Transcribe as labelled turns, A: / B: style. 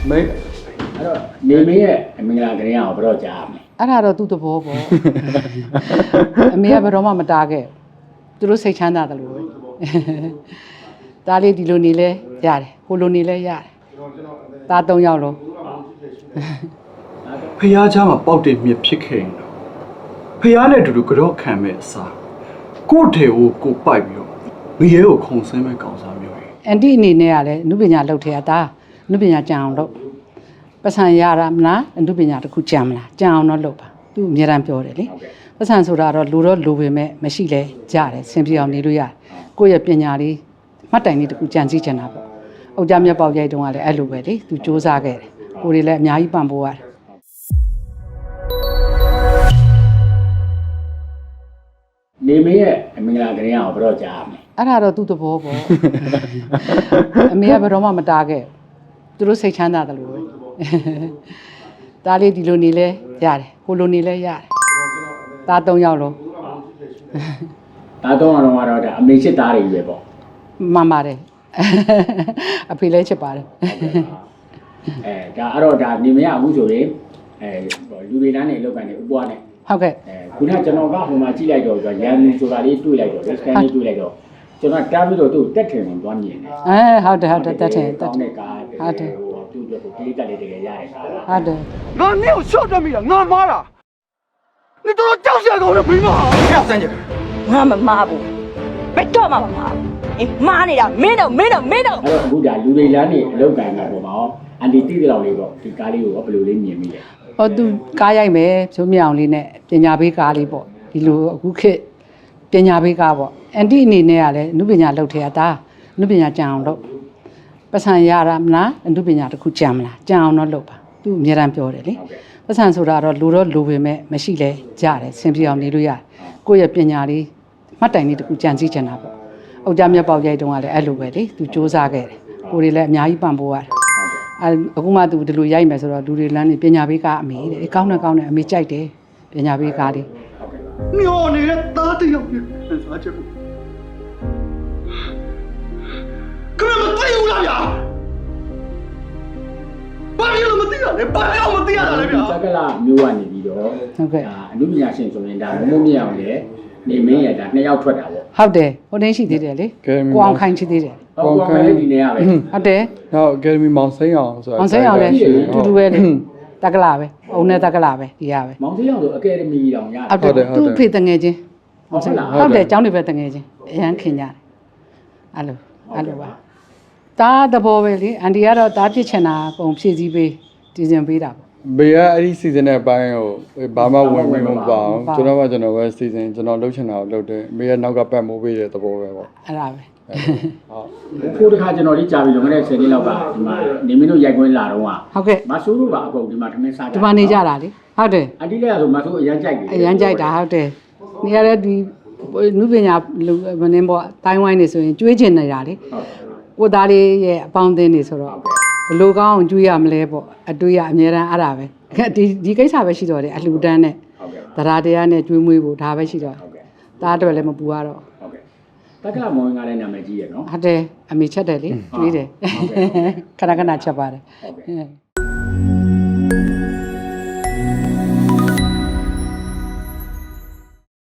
A: မေအဲ့တော့နေမင်းရဲ့အမင်္ဂလာကလေးအောင်ဘယ်တော့ကြားရမလဲ
B: အဲ့ဒါတော့သူ့သဘောပေါ့အမေကဘယ်တော့မှမတားခဲ့သူတို့စိတ်ချမ်းသာတယ်လို့ပဲဒါလေးဒီလိုနေလဲရတယ်ဟိုလိုနေလဲရတယ်ဒါ၃ယောက်လုံး
C: ဖះเจ้าမှာပေါက်တဲ့မြစ်ဖြစ်ခဲ့ရင်တော့ဖះနဲ့အတူတူကြော့ခံမဲ့အစားကို့ထေကိုပိုက်ပြီးတော့ငရဲကိုခုံဆင်းမဲ့ကောင်စားမျိုးကြီး
B: အန်တီအနေနဲ့ကလည်းအနုပညာလုပ်ထဲတာအနုပညာကြံအောင်လုပ်ပတ်စံရတာမလားအနုပညာတစ်ခုကြံမလားကြံအောင်တော့လုပ်ပါသူအများတန်းပြောတယ်လေပတ်စံဆိုတာတော့လူတော့လူပေမဲ့မရှိလဲကြတယ်ဆင်ပြေအောင်နေလို့ရတယ်ကိုယ့်ရဲ့ပညာလေးမှတ်တိုင်လေးတစ်ခုကြံစည်ချင်တာပေါ့အုတ်ကြမြတ်ပေါက်ရိုက်တုန်းကလည်းအဲ့လိုပဲလေသူစူးစမ်းခဲ့တယ်ကိုယ်တွေလည်းအများကြီးပံ့ပိုးရတယ်
A: နေမင်းရဲ့အမင်္ဂလာကလေးအောင်ဘယ်တော့ကြားရမလဲ
B: အဲ့ဒါတော့သူ့သဘောပေါ့အမေကဘယ်တော့မှမတားခဲ့သူတို့စိတ်ချမ်းသာတယ်လို့ပဲဒါလေးဒီလိုနေလဲရတယ်ဟိုလိုနေလဲရတယ်ဒါ၃ယောက်လုံး
A: ဒါတော့ကတော့ဒါအမေချစ်သားတွေပဲပေါ့
B: မှန်ပါတယ်အဖေလည်းချစ်ပါတယ်
A: ဒါအဲ့တော့ဒါနေမရအခုဆိုရင်လူတွေလမ်းနေလောက်ကန်နေဥပွားနေ
B: ဟုတ်ကဲ့
A: ခုနကျွန်တော်ကဟိုမှာကြည့်လိုက်တော့ရန်သူဆိုတာလေးတွေ့လိုက်တော့ scan လေးတွေ့လိုက်တော့ကျွန်တော်တားပြီးတော့သူ့တက်ထင်ဝင်သွားမြင်တယ်
B: ဟုတ်တယ်တက်ထင်
A: ဟုတ်တယ်ဟိုသူ့အတွက်ကိုပြေးတက်လေးတကယ်ရတယ်
B: ဟုတ်တယ်
C: ငါနင့်ကိုရှော့တက်မိတာငါမားတာ你都叫下狗的没嘛？不要三姐，
D: ငါမမားဘူးဘယ်တော့မှမမားဘူးအေးမားနေတာမင်းတော့
A: အဲ့တော့အခုဒါလူတွေလမ်းနေအလောက်ကန်တာပေါ့မောင်အန်တီတိတိလောက်လေးပေါ့ဒီကားလေးကိုဘယ်လိုလေးမြင်မိလဲ
B: ဟောသူကားရိုက်မယ်ဖြိုးမြောင်လေးနဲ့ပညာပေးကားလေးပေါ့ဒီလိုအခုခေတ်ပညာပေးကားပေါ့အန်တီအနေနဲ့ကလည်းအနုပညာလုပ်ထဲတာအနုပညာကြံအောင်လုပ်ပတ်စံရတာမလားအနုပညာတစ်ခုကြံမလားကြံအောင်တော့လုပ်ပါသူအများတန်းပြောတယ်လေပတ်စံဆိုတာတော့လူတော့လူပေမဲ့မရှိလဲကြတယ်ဆင်ပြေအောင်နေလို့ရတယ်ကိုယ့်ရဲ့ပညာလေးမှတ်တိုင်လေးတစ်ခုကြံစည်ချင်တာပေါ့အုတ်ကြမြတ်ပေါက်ရိုက်တုန်းကလည်းအဲ့လိုပဲလေသူစူးစမ်းခဲ့တယ်ကိုယ်တွေလည်းအများကြီးပံ့ပိုးရတယ်အခုမှသူဒီလိုရိုက်မယ်ဆိုတော့လူတွေလမ်းနေပညာပေးကားအမေတဲ့ကောင်းတယ်အမေကြိုက်တယ်ပညာပေးကားလေး
C: မျောနေတဲ့သားတယောက်နဲ့စားချက်ကိုကမမသိဘူးလားဗျာဘာလို့မသိရလဲဘာလို့မသိရတာလဲဗျာ
A: စကလာမျိုးကနေပြီးတော့
B: ဟုတ်ကဲ့
A: အနုပညာရှင်ဆိုရင်ဒါမမြင်အောင်လေနေမင်းရဒါနှစ်ယောက်ထွက်တာပေါ့
B: ဟုတ်တယ်ဟိုတင်းရှိသေးတယ်လေကိုအောင်ခိုင်ရှိသေးတယ်
A: ကိုအောင်ခိုင်လည်းဒီနေရပဲ
B: ဟုတ်တယ်
C: ဟုတ်အကယ်ဒမီမောင်စိမ်းအောင်ဆိုတာ
B: မောင်စိမ်းအောင်လည်းတူတူပဲလေတက္ကလာပဲအုံနဲ့တက္ကလာပဲဒီရပဲ
A: မောင်စိမ်းအောင်ဆိုအကယ်ဒမီတောင်ရ
B: ဟုတ်တယ်သူ့ဖေတငယ်ချင်းဟုတ်တယ်ကျောင်းတွေပဲတငယ်ချင်းအရန်ခင်ကြတယ်အဲ့လိုပါတားတဘောပဲလေအန်တီကတော့တားပြစ်ချင်တာပုံဖြည့်စည်းပေးတည်စဉ်ပေးတာပေါ့
C: ဘေးကအဲ့ဒီစီဇန်ရဲ့အပိုင်းကိုဘာမှဝင်မပါအောင်ကျွန်တော်ပဲစီဇန်ကျွန်တော်လှုပ်ချင်တာကိုလှုပ်တယ်ဘေးကနောက်ကပတ်မိုးပေးတဲ့သဘောပဲပေါ့
B: အဲ့ဒါပဲ
A: ဟုတ်ခုတခါကျွန်တော်လေးကြာပြီလွန်ခဲ့တဲ့10နှစ်လောက်ကဒီမှာနေမင်းတို့ရိုက်ခွင်းလာတော့
B: ဟုတ်ကဲ့
A: မဆိုးတို့ပါအကုန်ဒီမှာထမင်းစားကြ
B: ဒီမှာနေကြတာလေဟုတ်တယ်
A: အန်တီလည်းဆိုမဆိုးအရန်ကြိုက်တယ်
B: အရန်ကြိုက်တာဟုတ်တယ်နေရတဲ့ဒီနုပညာမင်းပေါ့တိုင်းဝိုင်းနေဆိုရင်ကျွေးချင်နေတာလေကိုသားလေးရဲ့အပေါင်းအသင်းတွေဆိုတော့ဘလို့ကောင်းအောင်ကျွေးရမလဲပေါ့အတွေးရအများတန်းအဲ့ဒါပဲဒီကိစ္စပဲရှိတော့တယ်အလှူဒန်းနဲ့တရားတရားနဲ့ကျွေးမွေးဖို့ဒါပဲရှိတော့ဒါအတွက်လည်းမပူရတော့
A: ဟုတ်ကဲ့တက္ကမောင်ကလည်းနာမည်ကြီးရနော်
B: ဟုတ်တယ်အမေချက်တယ်လေကျွေးတယ်ခဏချက်ပါတယ်ဟုတ်ကဲ့